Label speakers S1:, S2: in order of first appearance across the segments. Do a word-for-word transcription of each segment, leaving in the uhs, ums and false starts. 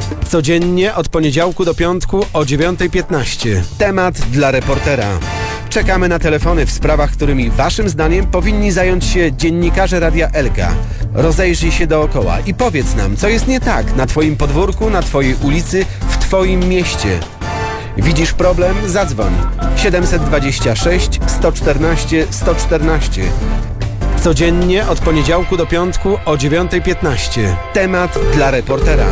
S1: Codziennie od poniedziałku do piątku o dziewiątej piętnaście. Temat dla reportera. Czekamy na telefony w sprawach, którymi waszym zdaniem powinni zająć się dziennikarze Radia Elka. Rozejrzyj się dookoła i powiedz nam, co jest nie tak na twoim podwórku, na twojej ulicy, w twoim mieście. Widzisz problem? Zadzwoń. siedemset dwadzieścia sześć sto czternaście sto czternaście. Codziennie od poniedziałku do piątku o dziewiątej piętnaście. Temat dla reportera.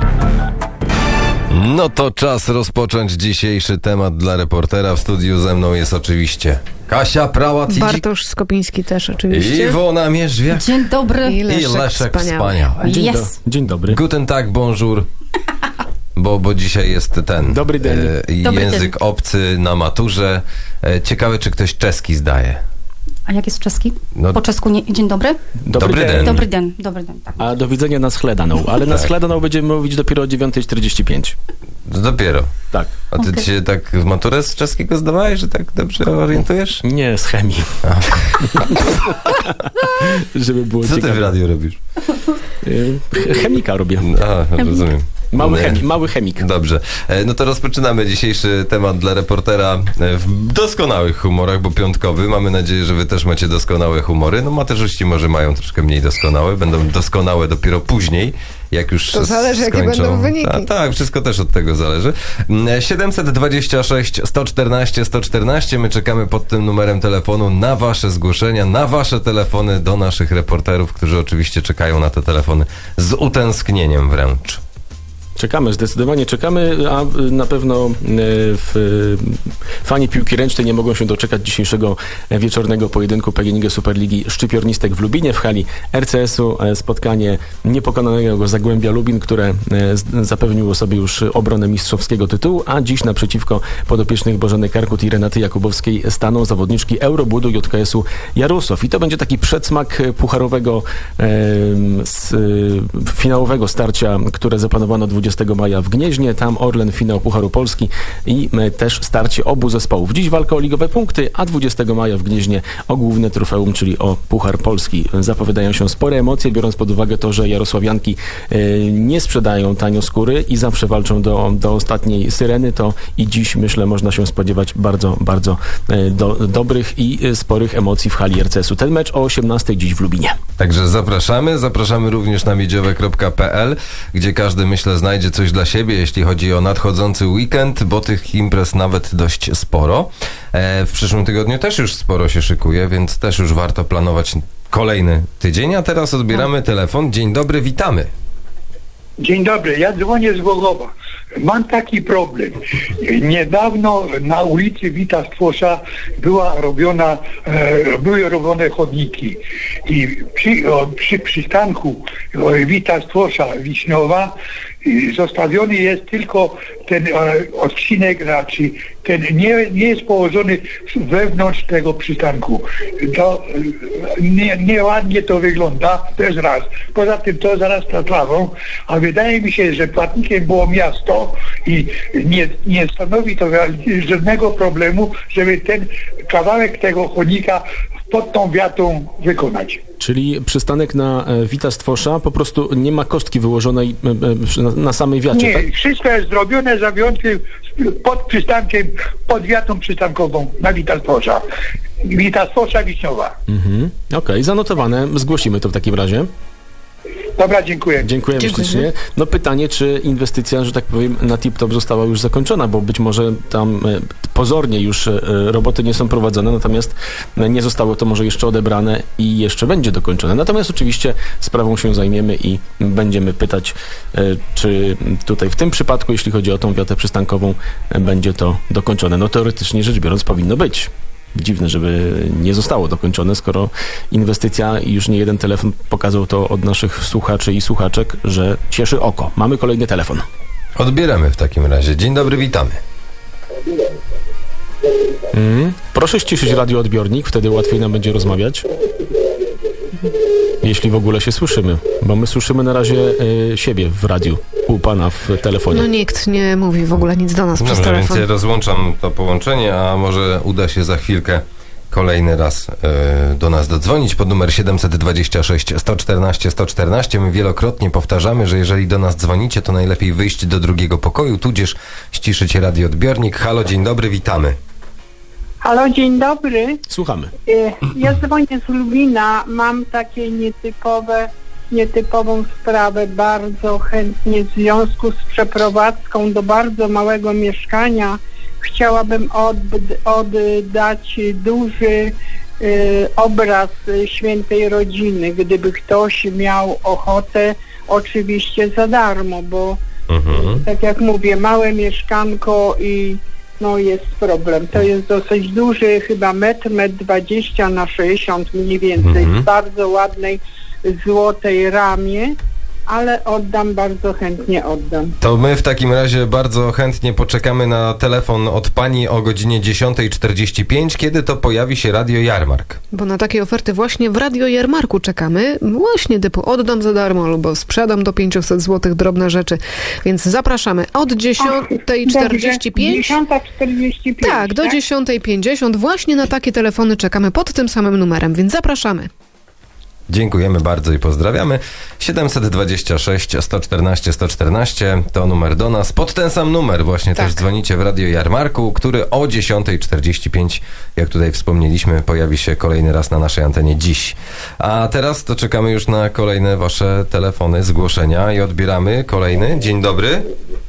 S2: No to czas rozpocząć dzisiejszy temat dla reportera. W studiu ze mną jest oczywiście Kasia Prałat,
S3: Bartosz Skopiński też oczywiście.
S2: Iwona Mierzwiak.
S4: Dzień dobry.
S3: I Leszek,
S2: I Leszek
S3: Wspaniały.
S2: Wspaniały.
S5: Dzień,
S4: Yes.
S5: do, dzień dobry.
S2: Guten Tag, bonjour. Bo, bo dzisiaj jest ten
S5: Dobry dzień.
S2: e,
S4: Dobry
S2: język
S4: dzień.
S2: obcy na maturze. E, ciekawe, czy ktoś czeski zdaje.
S4: A jak jest czeski?
S2: No-
S4: Po czesku nie... Dzień dobry?
S2: Dobry
S5: dzień.
S2: den.
S4: Dobry den, dobry den. Tak.
S5: A do widzenia na Schledaną. Ale na
S2: Tak.
S5: Schledaną będziemy mówić dopiero o dziewiątej czterdzieści pięć.
S2: To dopiero.
S5: Tak.
S2: A ty
S4: Okej.
S2: się tak w maturę z czeskiego zdawałeś, że tak dobrze orientujesz?
S5: Nie, z chemii. Żeby było
S2: Co ty w
S5: ciekawe.
S2: radiu robisz?
S5: Y, Chemika robię.
S2: A, rozumiem.
S5: Mały,
S2: Nie.
S5: chemi, mały chemik.
S2: Dobrze. E, No to rozpoczynamy dzisiejszy temat dla reportera e, w doskonałych humorach, bo piątkowy. Mamy nadzieję, że wy też macie doskonałe humory. No materzyści może mają troszkę mniej doskonałe. Będą doskonałe dopiero później, jak już
S3: To zależy, jakie
S2: skończą.
S3: będą wyniki.
S2: Ta, tak, wszystko też od tego zależy. Mm, siedemset dwadzieścia sześć sto czternaście sto czternaście. My czekamy pod tym numerem telefonu na wasze zgłoszenia, na wasze telefony do naszych reporterów, którzy oczywiście czekają na te telefony z utęsknieniem wręcz.
S5: Czekamy, zdecydowanie czekamy, a y, na pewno y, w, y, fani piłki ręcznej nie mogą się doczekać dzisiejszego e, wieczornego pojedynku P G N iG Superligi Szczypiornistek w Lubinie w hali R C S-u. E, Spotkanie niepokonanego Zagłębia Lubin, które e, z- zapewniło sobie już obronę mistrzowskiego tytułu, a dziś naprzeciwko podopiecznych Bożeny Karkut i Renaty Jakubowskiej staną zawodniczki Eurobudu J K S-u Jarosław. I to będzie taki przedsmak e, pucharowego, e, z, e, finałowego starcia, które zaplanowano dwudziestego maja w Gnieźnie. Tam Orlen, finał Pucharu Polski i e, też starcie obu zespołów. Dziś walka o ligowe punkty, a dwudziestego maja w Gnieźnie o główne trofeum, czyli o Puchar Polski. Zapowiadają się spore emocje, biorąc pod uwagę to, że jarosławianki e, nie sprzedają tanio skóry i zawsze walczą do, do ostatniej syreny, to i dziś, myślę, można się spodziewać bardzo, bardzo e, do, dobrych i e, sporych emocji w hali R C S-u. Ten mecz o osiemnastej dziś w Lubinie.
S2: Także zapraszamy. Zapraszamy również na miedziowe kropka p l, gdzie każdy, myślę, znajdzie coś dla siebie, jeśli chodzi o nadchodzący weekend, bo tych imprez nawet dość sporo. E, w przyszłym tygodniu też już sporo się szykuje, więc też już warto planować kolejny tydzień. A teraz odbieramy telefon. Dzień dobry, witamy.
S6: Dzień dobry, ja dzwonię z Głogowa. Mam taki problem. Niedawno na ulicy Wita Stwosza była robiona, e, były robione chodniki i przy, o, przy przystanku o, Wita Stwosza Wiśniowa i zostawiony jest tylko ten e, odcinek, znaczy ten nie, nie jest położony wewnątrz tego przystanku. To e, nie, nieładnie to wygląda, to jest raz. Poza tym to zarasta trawą, a wydaje mi się, że płatnikiem było miasto i nie, nie stanowi to żadnego problemu, żeby ten kawałek tego chodnika pod tą wiatą wykonać.
S5: Czyli przystanek na e, Wita Stwosza po prostu nie ma kostki wyłożonej e, e, przy- na, na samej wiacie,
S6: Nie,
S5: tak?
S6: wszystko jest zrobione za wyjątkiem pod przystankiem, pod wiatą przystankową na Wita Stwosza. Wita Stwosza Wiśniowa.
S5: Mhm. Okej, zanotowane. Zgłosimy to w takim razie.
S6: Dobra, dziękuję.
S5: Dziękujemy
S3: Dziękujemy.
S5: ślicznie. No pytanie, czy inwestycja, że tak powiem, na tip-top została już zakończona, bo być może tam e, pozornie już e, roboty nie są prowadzone, natomiast e, nie zostało to może jeszcze odebrane i jeszcze będzie dokończone. Natomiast oczywiście sprawą się zajmiemy i będziemy pytać, e, czy tutaj w tym przypadku, jeśli chodzi o tą wiatę przystankową, e, będzie to dokończone. No teoretycznie rzecz biorąc powinno być. Dziwne, żeby nie zostało dokończone, skoro inwestycja i już nie jeden telefon pokazał to od naszych słuchaczy i słuchaczek, że cieszy oko. Mamy kolejny telefon.
S2: Odbieramy w takim razie. Dzień dobry, witamy.
S5: Mm. Proszę ściszyć radioodbiornik, wtedy łatwiej nam będzie rozmawiać. Jeśli w ogóle się słyszymy, bo my słyszymy na razie y, siebie w radiu, u pana w telefonie.
S3: No nikt nie mówi w ogóle nic do nas przez
S2: Dobrze, więc
S3: telefon.
S2: ja rozłączam to połączenie, a może uda się za chwilkę kolejny raz e, do nas dodzwonić pod numer siedem dwa sześć, sto czternaście, sto czternaście. My wielokrotnie powtarzamy, że jeżeli do nas dzwonicie, to najlepiej wyjść do drugiego pokoju, tudzież ściszyć radioodbiornik. Halo, dzień dobry, witamy.
S7: Halo, dzień dobry.
S5: Słuchamy.
S7: E, Ja dzwonię z Lubina. Mam takie nietypowe, nietypową sprawę. Bardzo chętnie w związku z przeprowadzką do bardzo małego mieszkania chciałabym odd- oddać duży e, obraz Świętej Rodziny. Gdyby ktoś miał ochotę, oczywiście za darmo, bo
S2: Mhm.
S7: tak jak mówię, małe mieszkanko i no jest problem. To jest dosyć duży, chyba metr, metr dwadzieścia na sześćdziesiąt mniej więcej,
S2: Mhm.
S7: w bardzo ładnej złotej ramie, ale oddam, bardzo chętnie oddam.
S2: To my w takim razie bardzo chętnie poczekamy na telefon od pani o godzinie dziesiąta czterdzieści pięć, kiedy to pojawi się Radio Jarmark.
S3: Bo na takie oferty właśnie w Radio Jarmarku czekamy. Właśnie typu oddam za darmo albo sprzedam do pięćset złotych drobne rzeczy. Więc zapraszamy od dziesiąta czterdzieści pięć.
S7: dziesiąta czterdzieści pięć.
S3: Tak, do dziesiąta pięćdziesiąt. Właśnie na takie telefony czekamy pod tym samym numerem, więc zapraszamy.
S2: Dziękujemy bardzo i pozdrawiamy. siedem dwa sześć, sto czternaście, sto czternaście to numer do nas. Pod ten sam numer właśnie
S3: Tak.
S2: też dzwonicie w Radio Jarmarku, który o dziesiąta czterdzieści pięć, jak tutaj wspomnieliśmy, pojawi się kolejny raz na naszej antenie dziś. A teraz to czekamy już na kolejne wasze telefony, zgłoszenia i odbieramy kolejny. Dzień dobry.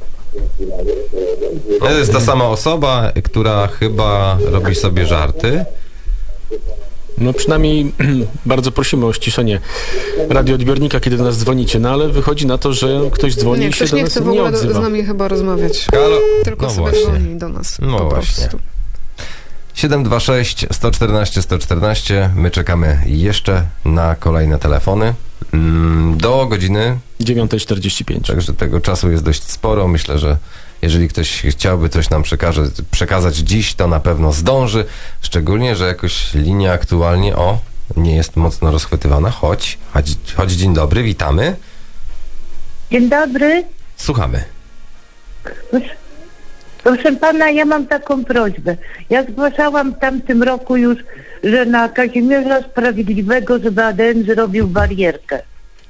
S2: To jest ta sama osoba, która chyba robi sobie żarty.
S5: No przynajmniej bardzo prosimy o ściszenie radioodbiornika, kiedy do nas dzwonicie, no ale wychodzi na to, że ktoś dzwoni
S3: Nie,
S5: i się
S3: ktoś
S5: do
S3: nie
S5: nas
S3: chce w
S5: nie
S3: ogóle do, z
S5: odzywa.
S3: nami chyba rozmawiać.
S2: Halo?
S3: Tylko
S2: No
S3: sobie
S2: właśnie.
S3: dzwoni do nas.
S2: No
S3: po
S2: właśnie.
S3: prostu.
S2: siedem dwa sześć, sto czternaście, sto czternaście. My czekamy jeszcze na kolejne telefony mm, do godziny,
S5: dziewiąta czterdzieści pięć.
S2: także tego czasu jest dość sporo. Myślę, że jeżeli ktoś chciałby coś nam przekaże, przekazać dziś, to na pewno zdąży. Szczególnie, że jakoś linia aktualnie, o, nie jest mocno rozchwytywana. Chodź, chodź, chodź, dzień dobry, witamy.
S8: Dzień dobry.
S2: Słuchamy.
S8: Proszę, proszę pana, ja mam taką prośbę. Ja zgłaszałam w tamtym roku już, że na Kazimierza Sprawiedliwego, żeby A D M zrobił barierkę.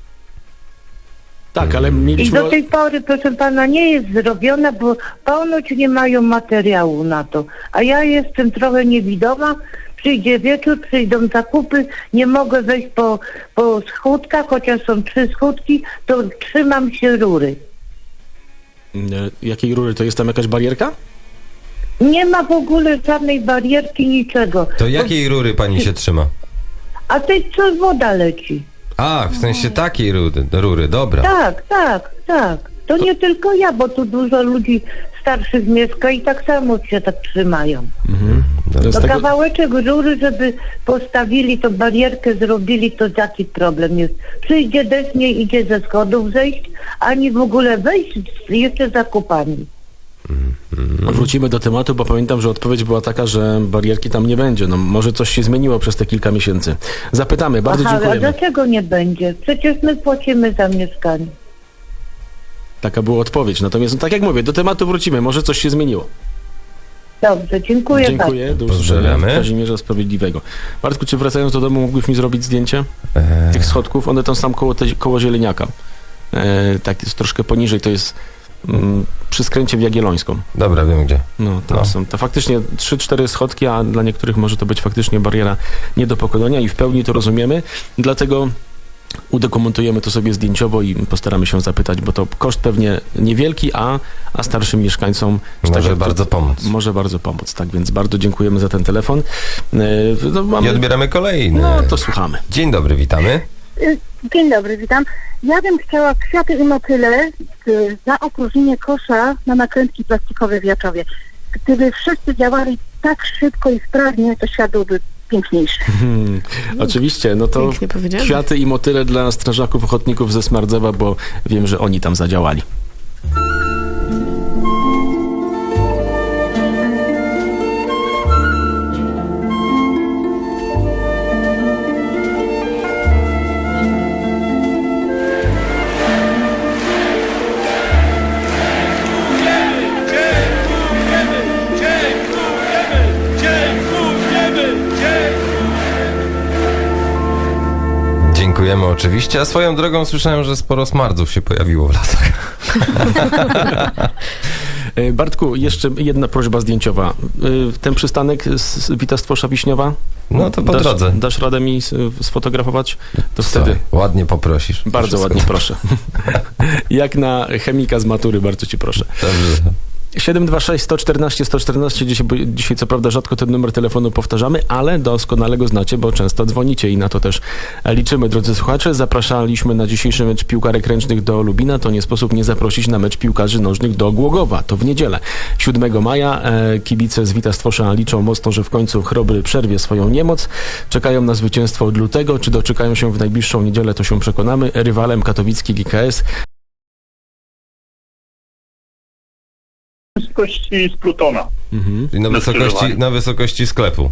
S5: Tak, ale
S8: I
S5: mieliśmy...
S8: do tej pory, proszę pana, nie jest zrobiona, bo ponoć nie mają materiału na to. A ja jestem trochę niewidoma. Przyjdzie wieczór, przyjdą zakupy, nie mogę wejść po, po schódkach, chociaż są trzy schódki, to trzymam się rury.
S5: E, Jakiej rury? To jest tam jakaś barierka?
S8: Nie ma w ogóle żadnej barierki, niczego.
S2: To jakiej rury pani się trzyma?
S8: A tej co woda leci.
S2: A, w sensie takiej rury, rury, dobra.
S8: Tak, tak, tak. To nie tylko ja, bo tu dużo ludzi starszych mieszka i tak samo się tak trzymają.
S5: Mhm.
S2: Dobra.
S5: Z
S8: To
S5: tego...
S8: kawałeczek rury, żeby postawili, to barierkę zrobili, to jaki problem jest. Przyjdzie deszcz, nie idzie ze schodów zejść, ani w ogóle wejść z jeszcze zakupami.
S5: Wrócimy do tematu, bo pamiętam, że odpowiedź była taka, że barierki tam nie będzie. No może coś się zmieniło przez te kilka miesięcy. Zapytamy, bardzo
S8: Aha, a
S5: dziękujemy.
S8: dlaczego nie będzie? Przecież my płacimy za mieszkanie.
S5: Taka była odpowiedź. Natomiast, no, tak jak mówię, do tematu wrócimy, może coś się zmieniło.
S8: Dobrze, dziękuję bardzo.
S5: Dziękuję, do usłyszenia.
S2: Pozdrawiamy.
S5: Kazimierza Sprawiedliwego. Bartku, czy wracając do domu mógłbyś mi zrobić zdjęcie
S2: Eee,
S5: tych schodków? One tam są koło, te, koło Zieleniaka. E, tak jest troszkę poniżej, to jest mm, przy skręcie w Jagiellońską.
S2: dobra, wiem gdzie.
S5: No, tam
S2: No.
S5: są to faktycznie trzy cztery schodki, a dla niektórych może to być faktycznie bariera nie do pokonania i w pełni to rozumiemy. Dlatego udokumentujemy to sobie zdjęciowo i postaramy się zapytać, bo to koszt pewnie niewielki, a, a starszym mieszkańcom że
S2: Może
S5: jak to-
S2: bardzo pomóc.
S5: Może bardzo pomóc, tak więc bardzo dziękujemy za ten telefon. E, no,
S2: I
S5: mamy...
S2: odbieramy kolejny.
S5: no to słuchamy.
S2: Dzień dobry, witamy.
S9: Dzień dobry, witam. Ja bym chciała kwiaty i motyle y, za opróżnienie kosza na nakrętki plastikowe w Jaczowie. Gdyby wszyscy działali tak szybko i sprawnie, to świat byłby piękniejszy.
S5: Hmm, oczywiście, no to
S3: Pięknie powiedziane.
S5: kwiaty i motyle dla strażaków ochotników ze Smardzewa, bo wiem, że oni tam zadziałali.
S10: Dziękujemy, dziękujemy, dziękujemy, dziękujemy.
S2: No oczywiście, a swoją drogą słyszałem, że sporo smardzów się pojawiło w lasach.
S5: E, Bartku, jeszcze jedna prośba zdjęciowa. E, Ten przystanek z Wita Stwosza Wiśniowa?
S2: No to po
S5: dasz,
S2: drodze.
S5: Dasz radę mi s- sfotografować? To
S2: Słuchaj,
S5: wtedy
S2: ładnie poprosisz.
S5: bardzo
S2: Wszystko
S5: ładnie
S2: dobrze.
S5: proszę. Jak na chemika z matury, bardzo ci proszę.
S2: Dobrze.
S5: siedem dwa sześć, sto czternaście, sto czternaście. Dzisiaj, dzisiaj co prawda rzadko ten numer telefonu powtarzamy, ale doskonale go znacie, bo często dzwonicie i na to też liczymy. Drodzy słuchacze, zapraszaliśmy na dzisiejszy mecz piłkarek ręcznych do Lubina. To nie sposób nie zaprosić na mecz piłkarzy nożnych do Głogowa. To w niedzielę, siódmego maja. E, kibice z Wita Stwosza liczą mocno, że w końcu Chrobry przerwie swoją niemoc. Czekają na zwycięstwo od lutego. Czy doczekają się w najbliższą niedzielę, to się przekonamy. Rywalem katowicki G K S.
S10: Wysokości z Plutona.
S5: Mhm.
S2: Czyli na
S10: Na
S2: wysokości,
S10: skrzyżowaniu.
S2: na wysokości sklepu.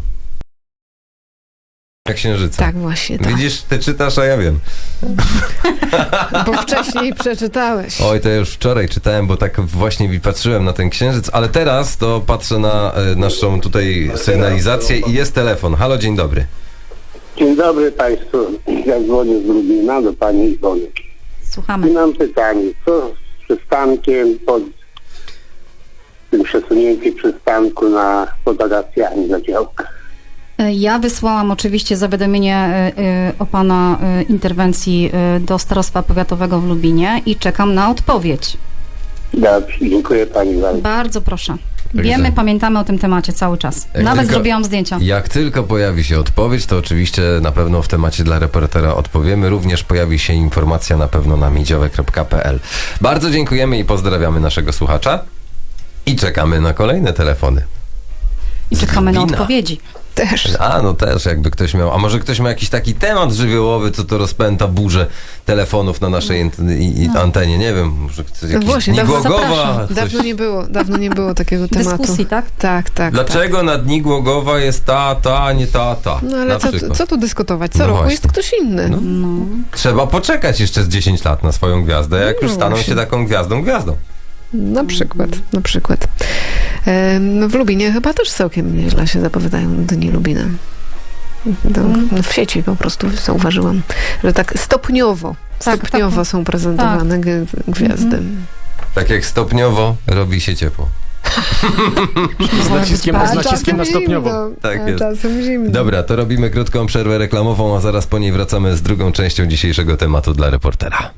S2: Jak księżyca.
S3: Tak, właśnie, tak.
S2: Widzisz, ty czytasz, a ja wiem.
S3: Bo wcześniej przeczytałeś.
S2: Oj, to ja już wczoraj czytałem, bo tak właśnie patrzyłem na ten księżyc, ale teraz to patrzę na e, naszą tutaj sygnalizację i jest telefon. Halo, dzień dobry.
S11: Dzień dobry Państwu. Ja dzwonię z Lubina do Pani Iwony. I
S4: Słuchamy.
S11: mam pytanie, co z przystankiem pod tym przesunięciem przystanku na pod Agacjami na działkach?
S4: Ja wysłałam oczywiście zawiadomienie y, y, o pana y, interwencji y, do Starostwa Powiatowego w Lubinie i czekam na odpowiedź.
S11: Dobrze, dziękuję Pani bardzo.
S4: Bardzo proszę.
S2: Także-
S4: Wiemy, pamiętamy o tym temacie cały czas.
S2: Jak
S4: Nawet
S2: tylko-
S4: zrobiłam zdjęcia.
S2: Jak tylko pojawi się odpowiedź, to oczywiście na pewno w temacie dla reportera odpowiemy. Również pojawi się informacja na pewno na miedziowe kropka pe el. Bardzo dziękujemy i pozdrawiamy naszego słuchacza. I czekamy na kolejne telefony.
S4: I czekamy na
S2: Lubina.
S4: odpowiedzi.
S3: Też.
S2: A, no też, jakby ktoś miał. A może ktoś ma jakiś taki temat żywiołowy, co to rozpęta burzę telefonów na naszej ant- i, i antenie. Nie wiem, może ktoś
S3: No
S2: jakiś
S3: właśnie,
S2: Dni
S3: dawno-
S2: Głogowa.
S4: zapraszam.
S2: Coś.
S3: Dawno nie było, dawno nie było takiego tematu.
S4: Dyskusji, tak?
S3: Tak, tak.
S2: Dlaczego na Dni Głogowa jest ta, ta, a nie ta, ta?
S3: Tak. No ale
S2: na
S3: co,
S2: przykład.
S3: co tu dyskutować? Co
S2: No
S3: roku
S2: właśnie.
S3: jest ktoś inny.
S2: No.
S4: No.
S2: Trzeba poczekać jeszcze z dziesięć lat na swoją gwiazdę, jak
S3: No
S2: już staną
S3: właśnie.
S2: się taką gwiazdą, gwiazdą.
S3: Na przykład, na przykład. Em, W Lubinie chyba też całkiem nieźle się zapowiadają Dni Lubina. To w sieci po prostu zauważyłam, że tak stopniowo,
S4: Tak,
S3: stopniowo
S4: tak.
S3: są prezentowane g- gwiazdy.
S2: Tak jak stopniowo robi się ciepło.
S5: Z naciskiem,
S3: A
S5: z naciskiem na
S3: czasem
S5: stopniowo.
S3: zimno,
S2: Tak
S3: a
S2: jest.
S3: czasem zimno.
S2: Dobra, to robimy krótką przerwę reklamową, a zaraz po niej wracamy z drugą częścią dzisiejszego tematu dla reportera.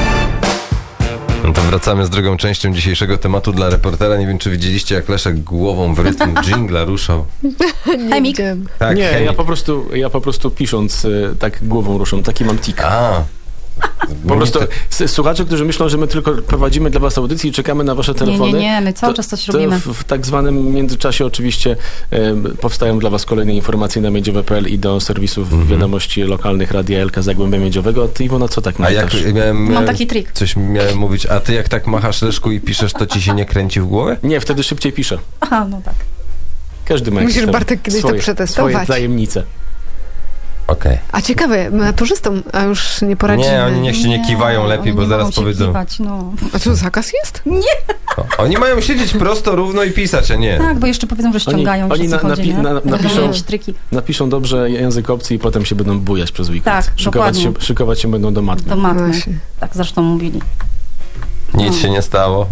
S2: No to wracamy z drugą częścią dzisiejszego tematu dla reportera. Nie wiem, czy widzieliście, jak Leszek głową w rytm dżingla ruszał.
S4: Chemik.
S3: Wiem.
S2: Tak,
S5: Nie,
S2: chemik.
S5: ja po prostu, ja po prostu pisząc y, tak głową ruszam, taki mam tik.
S2: A.
S5: Po prostu s- słuchacze, którzy myślą, że my tylko prowadzimy dla was audycję i czekamy na wasze
S4: Nie,
S5: telefony.
S4: nie, nie, my cały czas coś
S5: to
S4: robimy.
S5: W, w tak zwanym międzyczasie oczywiście e, powstają dla was kolejne informacje na miedziowe kropka pe el i do serwisów
S2: Mhm.
S5: wiadomości lokalnych Radia Elka Zagłębia Miedziowego. A ty, Iwona, co tak
S2: A jak
S5: masz?
S2: miałem,
S4: Mam
S2: miałem
S4: taki trik.
S2: coś miałem mówić, a ty jak tak machasz Leszku i piszesz, to ci się nie kręci w głowie?
S5: Nie, wtedy szybciej piszę.
S4: Aha, no tak.
S5: Każdy ma jakieś
S3: Musisz,
S5: tam
S3: Bartek, kiedyś to
S5: swoje,
S3: przetestować.
S5: swoje tajemnice.
S2: Okej.
S3: A ciekawe, maturzystom, a już nie poradzimy.
S2: Nie, oni niech się nie kiwają lepiej,
S4: oni
S2: bo
S4: nie
S2: zaraz
S4: mogą się
S2: powiedzą.
S4: Kiwać, no.
S3: A co, zakaz jest?
S2: O, oni mają siedzieć prosto, równo i pisać, a nie.
S4: Tak, bo jeszcze powiedzą, że ściągają.
S5: oni
S4: Oni,
S5: na-
S4: chodzi,
S5: napi-
S4: nie?
S5: na-
S4: Będą
S5: napiszą-
S4: jakieś triki
S5: Napiszą dobrze język obcy i potem się będą bujać przez weekend.
S4: Tak,
S5: szykować się,
S4: dokładnie.
S5: szykować się będą do matmy.
S4: do matmy.
S3: Właśnie.
S4: Tak zresztą mówili.
S2: Nic się nie stało.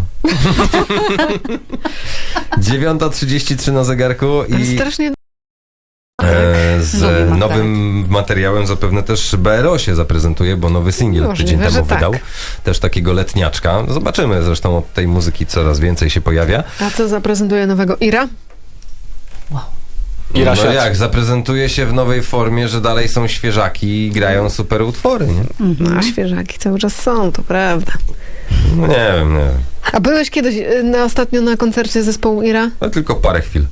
S2: dziewiąta trzydzieści trzy na zegarku
S3: Ale
S2: i
S3: strasznie...
S2: e, z
S4: Lubię Margaret.
S2: nowym materiałem zapewne też B R O się zaprezentuje, bo nowy singiel
S3: Możliwe,
S2: tydzień
S3: że
S2: temu
S3: tak.
S2: wydał. Też takiego letniaczka. Zobaczymy, zresztą od tej muzyki coraz więcej się pojawia.
S3: A co zaprezentuje nowego? Ira?
S5: I
S2: No
S5: Rasiat.
S2: jak, zaprezentuje się w nowej formie, że dalej są świeżaki i grają super utwory, nie?
S3: No, a świeżaki cały czas są, to prawda.
S2: No nie wiem, nie wiem.
S3: A byłeś kiedyś y, na, ostatnio na koncercie zespołu Ira?
S2: No tylko parę chwil.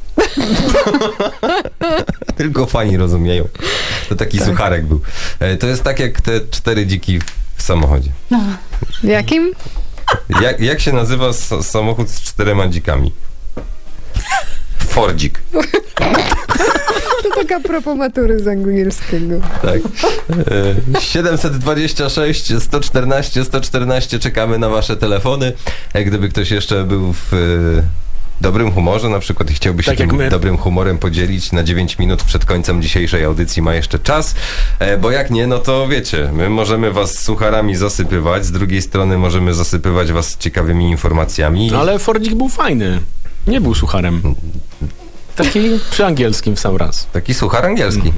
S2: Tylko fani rozumieją. To taki
S3: Tak.
S2: sucharek był. E, To jest tak jak te cztery dziki w samochodzie.
S3: W jakim?
S2: Jak, jak się nazywa s- samochód z czterema dzikami? Fordzik.
S3: To taka propos matury z angielskiego.
S2: Tak. E, siedemset dwadzieścia sześć, sto czternaście, sto czternaście czekamy na wasze telefony. Jak gdyby ktoś jeszcze był w, dobrym humorze na przykład i chciałby się
S5: Tak jak
S2: tym
S5: my.
S2: dobrym humorem podzielić na dziewięć minut przed końcem dzisiejszej audycji, ma jeszcze czas, e, bo jak nie, no to wiecie, my możemy was sucharami zasypywać, z drugiej strony możemy zasypywać was ciekawymi informacjami.
S5: Ale Fordzik był fajny. Nie był sucharem. Taki przy angielskim w sam raz.
S2: Taki suchar angielski.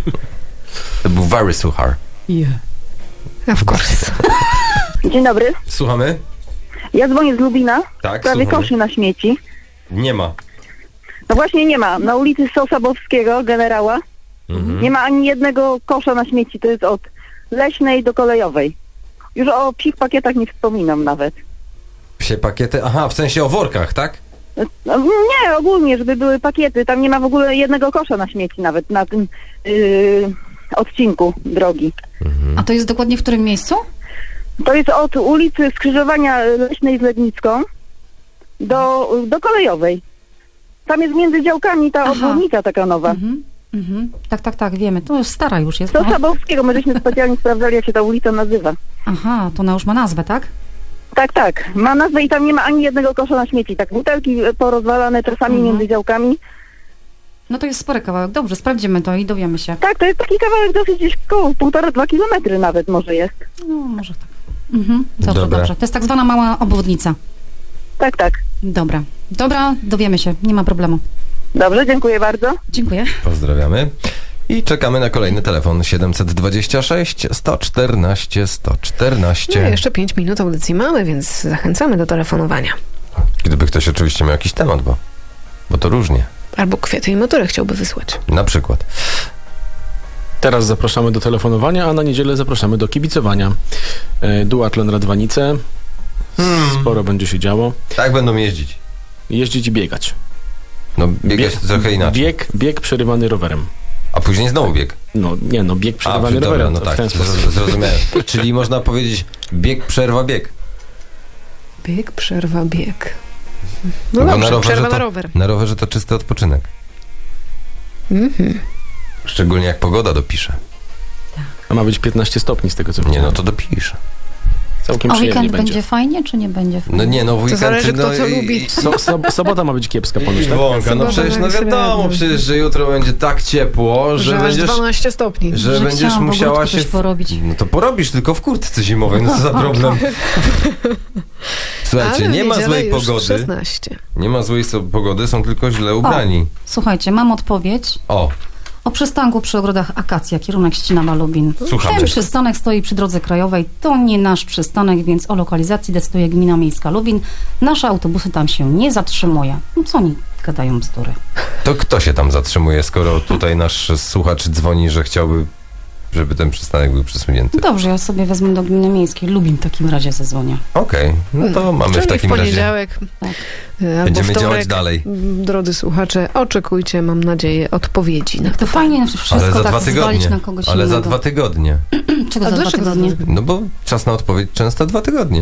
S2: To był very suchar.
S3: Yeah. Of course.
S9: Dzień dobry.
S2: Słuchamy?
S9: Ja dzwonię z Lubina.
S2: Tak,
S9: W sprawie
S2: słuchamy.
S9: koszy na śmieci.
S2: Nie ma.
S9: No właśnie nie ma. Na ulicy Sosabowskiego, generała,
S2: Mhm.
S9: nie ma ani jednego kosza na śmieci. To jest od Leśnej do Kolejowej. Już o psich pakietach nie wspominam nawet.
S2: Psie pakiety? Aha, w sensie o workach, tak?
S9: No, nie, ogólnie, żeby były pakiety. Tam nie ma w ogóle jednego kosza na śmieci nawet na tym yy, odcinku drogi.
S4: A to jest dokładnie w którym miejscu?
S9: To jest od ulicy skrzyżowania Leśnej z Lednicką do, do Kolejowej. Tam jest między działkami ta
S4: Aha.
S9: obwodnica taka nowa.
S4: Mhm. Mhm. Tak, tak, tak, wiemy. To już stara już jest.
S9: Do
S4: No.
S9: Sabowskiego, my żeśmy specjalnie sprawdzali, jak się ta ulica nazywa.
S4: Aha, to ona już ma nazwę, tak?
S9: Tak, tak. Ma nazwę i tam nie ma ani jednego kosza na śmieci. Tak, butelki porozwalane czasami
S4: Mhm.
S9: między działkami.
S4: No to jest spory kawałek. Dobrze, sprawdzimy to i dowiemy się.
S9: Tak, to jest taki kawałek dosyć gdzieś koło półtora, dwa kilometry nawet może jest.
S4: No, może tak. Mhm. Dobrze,
S2: Dobra.
S4: dobrze. To jest tak zwana mała obwodnica.
S9: Tak, tak.
S4: Dobra. Dobra, dowiemy się. Nie ma problemu.
S9: Dobrze, dziękuję bardzo.
S4: Dziękuję.
S2: Pozdrawiamy. I czekamy na kolejny telefon siedemset dwadzieścia sześć sto czternaście sto czternaście.
S3: No, jeszcze pięć minut audycji mamy, więc zachęcamy do telefonowania.
S2: Gdyby ktoś oczywiście miał jakiś temat, bo, bo to różnie.
S3: Albo kwiaty i motory chciałby wysłać.
S2: Na przykład.
S5: Teraz zapraszamy do telefonowania, a na niedzielę zapraszamy do kibicowania. E, Duatlon Radwanice.
S2: Hmm.
S5: Sporo będzie się działo.
S2: Tak będą jeździć.
S5: Jeździć i biegać.
S2: No biegać to trochę inaczej.
S5: Bieg, bieg przerywany rowerem.
S2: A później znowu bieg.
S5: No nie, no bieg
S2: A,
S5: przerywany
S2: dobra,
S5: rowerem.
S2: no
S5: w
S2: tak,
S5: ten sposób.
S2: z- zrozumiałem. Czyli można powiedzieć bieg, przerwa, bieg.
S3: Bieg, przerwa, bieg. No
S2: Bo
S3: dobrze,
S2: na rowerze
S3: przerwa
S2: to,
S3: na rower.
S2: Na rowerze to czysty odpoczynek.
S3: Mhm.
S2: Szczególnie jak pogoda dopisze.
S5: A ma być piętnaście stopni z tego co
S2: Nie,
S5: widziałem.
S2: no to dopisze.
S5: Całkiem
S4: A
S5: przyjemnie
S4: weekend
S5: będzie.
S4: będzie fajnie, czy nie będzie fajnie?
S2: No nie, no w weekend...
S3: zależy, kto
S2: no,
S3: co
S2: i-
S3: lubi.
S5: So, so, sobota ma być kiepska ponoć, tak?
S2: Wąka, no
S3: Sobota
S2: przecież no
S3: tak
S2: wiadomo,
S3: średnio.
S2: przecież, że jutro będzie tak ciepło, że,
S3: Że aż
S2: będziesz...
S3: dwanaście stopni.
S2: Że,
S4: Że
S2: będziesz
S4: chciałam w
S2: musiała
S4: ogródku
S2: się...
S4: coś porobić.
S2: No to porobisz tylko w kurtce zimowej, no co za problem. Słuchajcie,
S3: Ale w
S2: nie ma
S3: niedzielę
S2: złej
S3: już
S2: pogody.
S3: szesnaście.
S2: Nie ma złej so- pogody, są tylko źle ubrani.
S4: Słuchajcie, mam odpowiedź
S2: O,
S4: o przystanku przy ogrodach Akacja, kierunek Ścina-Lubin.
S2: Słuchamy.
S4: Ten przystanek stoi przy drodze krajowej. To nie nasz przystanek, więc o lokalizacji decyduje Gmina Miejska Lubin. Nasze autobusy tam się nie zatrzymuje. No co oni gadają bzdury?
S2: to kto się tam zatrzymuje, skoro tutaj nasz słuchacz dzwoni, że chciałby, żeby ten przystanek był przesunięty?
S4: Dobrze, ja sobie wezmę do Gminy Miejskiej Lubin w takim razie zadzwonię.
S2: Okej, no to mamy
S3: Czyli
S2: w takim
S3: w
S2: razie...
S3: poniedziałek
S4: Tak.
S3: y, albo
S2: Będziemy
S3: wtorek,
S2: działać dalej.
S3: m, Drodzy słuchacze, oczekujcie, mam nadzieję, odpowiedzi na
S4: Jak to fajnie wszystko
S2: Ale za
S4: tak
S2: dwa
S4: zwalić
S2: tygodnie.
S4: na kogoś
S2: Ale za
S4: innego.
S2: dwa tygodnie.
S4: Czego
S3: A
S4: za dwa
S3: dlaczego za
S4: tygodnie?
S3: dwa
S2: No bo czas na odpowiedź często dwa tygodnie.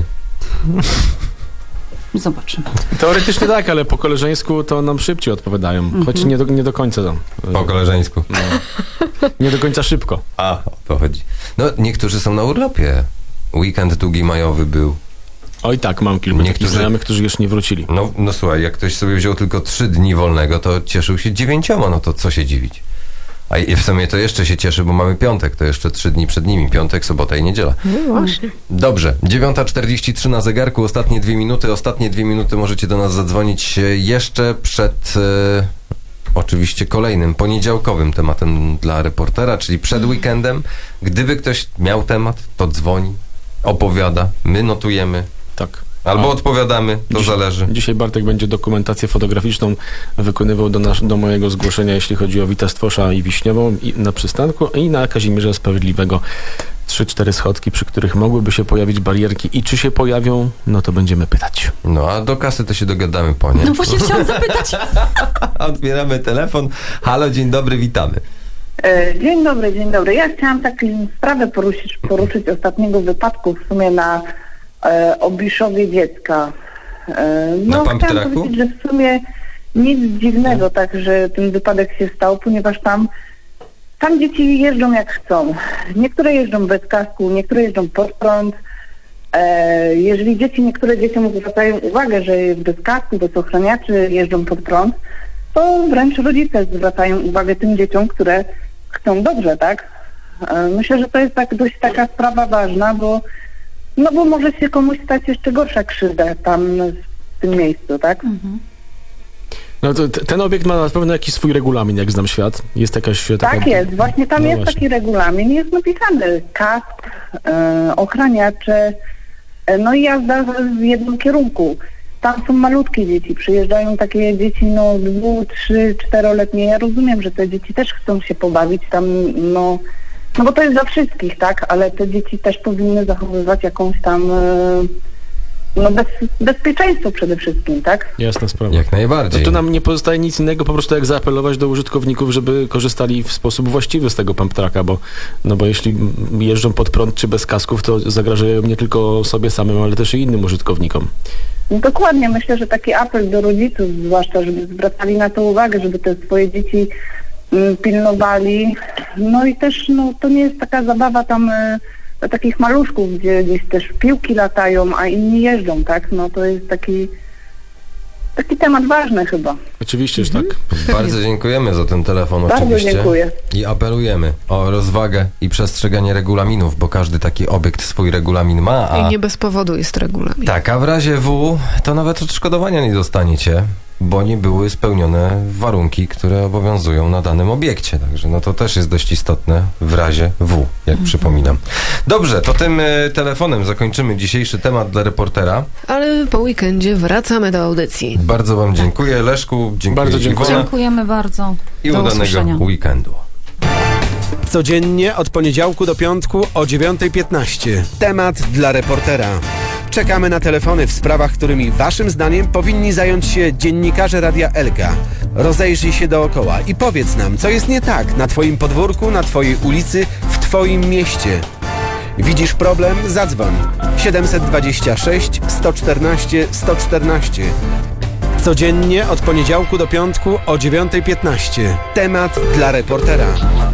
S4: Zobaczymy.
S5: Teoretycznie tak, ale po koleżeńsku to nam szybciej odpowiadają. Choć nie do, nie do końca tam.
S2: Po koleżeńsku.
S5: No. Nie do końca szybko.
S2: A, o to chodzi. No, niektórzy są na urlopie. Weekend długi majowy był.
S5: Oj tak, mam kilku takich
S2: Niektórzy-
S5: znajomych, którzy już nie wrócili.
S2: No, no słuchaj, jak ktoś sobie wziął tylko trzy dni wolnego, to cieszył się dziewięcioma, no to co się dziwić. A i w sumie to jeszcze się cieszy, bo mamy piątek, to jeszcze trzy dni przed nimi. Piątek, sobota i niedziela.
S3: No właśnie.
S2: Dobrze, dziewiąta czterdzieści trzy na zegarku, ostatnie dwie minuty. Ostatnie dwie minuty możecie do nas zadzwonić e, jeszcze przed e, oczywiście kolejnym, poniedziałkowym tematem dla reportera, czyli przed weekendem. Gdyby ktoś miał temat, to dzwoni, opowiada, my notujemy,
S5: Tak.
S2: albo
S5: A.
S2: odpowiadamy, to
S5: Dziś-
S2: zależy.
S5: Dzisiaj Bartek będzie dokumentację fotograficzną wykonywał do, nas, do mojego zgłoszenia, jeśli chodzi o Wita Stwosza i Wiśniową i na przystanku i na Kazimierza Sprawiedliwego. Trzy, cztery schodki, przy których mogłyby się pojawić barierki i czy się pojawią, no to będziemy pytać.
S2: No a do kasy to się dogadamy po nie.
S4: No właśnie chciałam zapytać.
S2: Odbieramy telefon. Halo, dzień dobry, witamy.
S10: E, Dzień dobry, dzień dobry. Ja chciałam taką sprawę poruszyć, poruszyć ostatniego wypadku w sumie na e, Obiszowie dziecka. E,
S2: Na
S10: no chciałam
S2: Pamptraku?
S10: powiedzieć, że w sumie nic dziwnego tak, że ten wypadek się stał, ponieważ tam tam dzieci jeżdżą jak chcą. Niektóre jeżdżą bez kasku, niektóre jeżdżą pod prąd. E, jeżeli dzieci, niektóre dzieciom zwracają uwagę, że bez kasku, bez ochraniaczy jeżdżą pod prąd, to wręcz rodzice zwracają uwagę tym dzieciom, które chcą dobrze, tak? E, myślę, że to jest tak dość taka sprawa ważna, bo no bo może się komuś stać jeszcze gorsza krzywda tam w tym miejscu, tak?
S4: Mhm.
S5: No to t- ten obiekt ma na pewno jakiś swój regulamin, jak znam świat. Jest jakaś taka...
S10: Tak jest, właśnie tam
S5: No
S10: jest
S5: właśnie.
S10: taki regulamin, jest napisany kask, e, ochraniacze, e, no i jazda w, w jednym kierunku. Tam są malutkie dzieci, przyjeżdżają takie dzieci, no dwu, trzy, czteroletnie. Ja rozumiem, że te dzieci też chcą się pobawić tam, no, no bo to jest dla wszystkich, tak, ale te dzieci też powinny zachowywać jakąś tam, e, no bez, bezpieczeństwo przede wszystkim, tak?
S5: Jasna sprawa.
S2: Jak najbardziej.
S5: No to nam nie pozostaje nic innego, po prostu jak zaapelować do użytkowników, żeby korzystali w sposób właściwy z tego pump tracka, bo, no bo jeśli jeżdżą pod prąd czy bez kasków, to zagrażają nie tylko sobie samym, ale też i innym użytkownikom.
S10: No dokładnie, myślę, że taki apel do rodziców zwłaszcza, żeby zwracali na to uwagę, żeby te swoje dzieci mm, pilnowali. No i też, no to nie jest taka zabawa tam y, dla takich maluszków, gdzie gdzieś też piłki latają, a inni jeżdżą, tak? No to jest taki taki temat ważny chyba.
S5: Oczywiście, że tak.
S2: Bardzo dziękujemy za ten telefon
S10: Bardzo
S2: oczywiście.
S10: dziękuję.
S2: I apelujemy o rozwagę i przestrzeganie regulaminów, bo każdy taki obiekt swój regulamin ma, a...
S3: I nie bez powodu jest regulamin.
S2: Tak, a w razie W to nawet odszkodowania nie dostaniecie, bo nie były spełnione warunki, które obowiązują na danym obiekcie. Także no to też jest dość istotne w razie W, jak przypominam. Dobrze, to tym y, telefonem zakończymy dzisiejszy temat dla reportera.
S3: Ale po weekendzie wracamy do audycji.
S2: Bardzo wam dziękuję, Leszku, dziękuję
S5: Bardzo dziękuję.
S2: Iwona
S4: Dziękujemy bardzo.
S2: i
S4: Do
S2: udanego
S4: usłyszenia.
S2: weekendu.
S1: Codziennie od poniedziałku do piątku o dziewiąta piętnaście. Temat dla reportera. Czekamy na telefony w sprawach, którymi waszym zdaniem powinni zająć się dziennikarze Radia Elka. Rozejrzyj się dookoła i powiedz nam, co jest nie tak na twoim podwórku, na twojej ulicy, w twoim mieście. Widzisz problem? Zadzwoń. siedem dwa sześć, sto czternaście, sto czternaście. Codziennie od poniedziałku do piątku o dziewiąta piętnaście. Temat dla reportera.